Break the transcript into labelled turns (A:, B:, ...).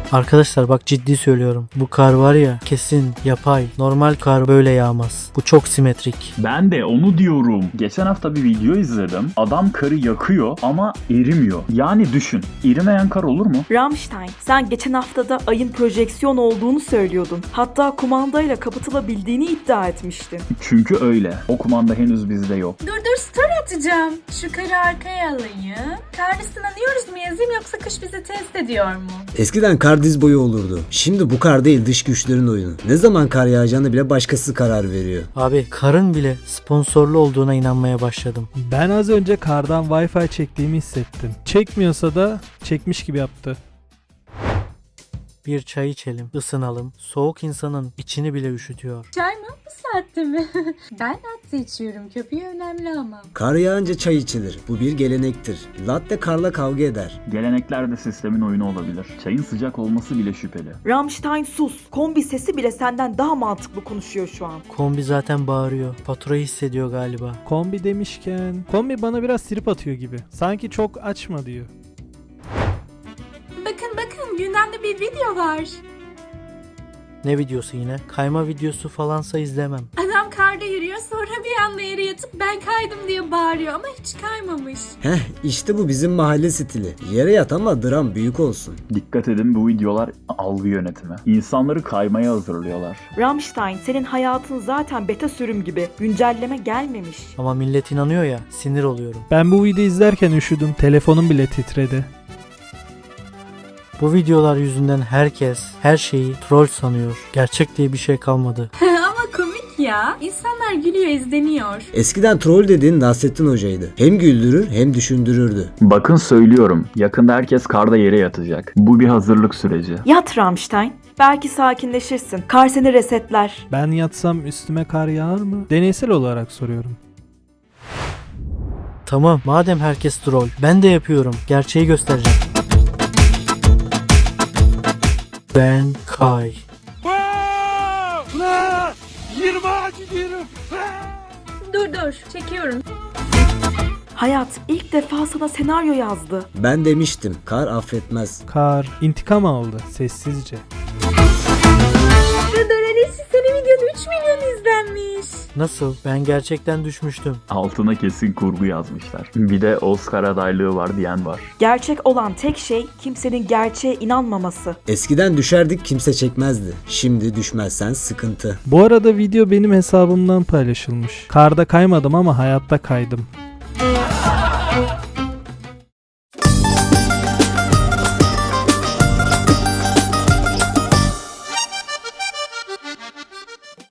A: Arkadaşlar bak ciddi söylüyorum. Bu kar var ya kesin yapay. Normal kar böyle yağmaz. Bu çok simetrik.
B: Ben de onu diyorum. Geçen hafta bir video izledim. Adam karı yakıyor ama erimiyor. Yani düşün. Erimeyen kar olur mu?
C: Rammstein, sen geçen haftada ayın projeksiyon olduğunu söylüyordun. Hatta kumandayla kapatılabildiğini iddia etmiştin.
B: Çünkü öyle. O kumanda henüz bizde yok.
D: Dur story atacağım. Şu karı arkaya alayım. Karnı sınanıyoruz mu yazayım yoksa kış bizi test ediyor mu?
E: Eskiden kar diz boyu olurdu. Şimdi bu kar değil, dış güçlerin oyunu. Ne zaman kar yağacağını bile başkası karar veriyor.
A: Abi karın bile sponsorlu olduğuna inanmaya başladım.
F: Ben az önce kardan Wi-Fi çektiğimi hissettim. Çekmiyorsa da çekmiş gibi yaptı.
A: Bir çay içelim, ısınalım. Soğuk insanın içini bile üşütüyor.
D: Çay mı? Bu saatte mi? Ben latte içiyorum. Köpüğü önemli ama.
E: Kar yağınca çay içilir. Bu bir gelenektir. Latte karla kavga eder.
B: Gelenekler de sistemin oyunu olabilir. Çayın sıcak olması bile şüpheli.
C: Rammstein sus. Kombi sesi bile senden daha mantıklı konuşuyor şu an.
A: Kombi zaten bağırıyor. Faturayı hissediyor galiba.
F: Kombi demişken, kombi bana biraz trip atıyor gibi. Sanki çok açma diyor.
D: Bakın gündemde bir video var.
A: Ne videosu yine? Kayma videosu falansa izlemem.
D: Adam karda yürüyor sonra bir anda yere yatıp ben kaydım diye bağırıyor ama hiç kaymamış.
E: Heh, işte bu bizim mahalle stili. Yere yat ama dram büyük olsun.
B: Dikkat edin, bu videolar algı yönetimi. İnsanları kaymaya hazırlıyorlar.
C: Rammstein, senin hayatın zaten beta sürüm gibi. Güncelleme gelmemiş.
A: Ama millet inanıyor ya, sinir oluyorum.
F: Ben bu videoyu izlerken üşüdüm. Telefonum bile titredi.
A: Bu videolar yüzünden herkes her şeyi troll sanıyor. Gerçek diye bir şey kalmadı.
D: Ama komik ya. İnsanlar gülüyor, izleniyor.
E: Eskiden troll dediğin Nasrettin Hoca'ydı. Hem güldürür hem düşündürürdü.
B: Bakın söylüyorum. Yakında herkes karda yere yatacak. Bu bir hazırlık süreci.
C: Yat Rammstein. Belki sakinleşirsin. Kar seni resetler.
F: Ben yatsam üstüme kar yağar mı? Deneysel olarak soruyorum.
A: Tamam, madem herkes troll, ben de yapıyorum. Gerçeği göstereceğim. Ben Kay.
D: Dur çekiyorum.
C: Hayat ilk defa sana senaryo yazdı.
E: Ben demiştim, kar affetmez.
F: Kar intikam aldı sessizce.
D: Dur Alice, senin videon 3 milyon izlenmiş.
A: Nasıl? Ben gerçekten düşmüştüm.
B: Altına kesin kurgu yazmışlar. Bir de Oscar adaylığı var diyen var.
C: Gerçek olan tek şey kimsenin gerçeğe inanmaması.
E: Eskiden düşerdik, kimse çekmezdi. Şimdi düşmezsen sıkıntı.
F: Bu arada video benim hesabımdan paylaşılmış. Karda kaymadım ama hayatta kaydım.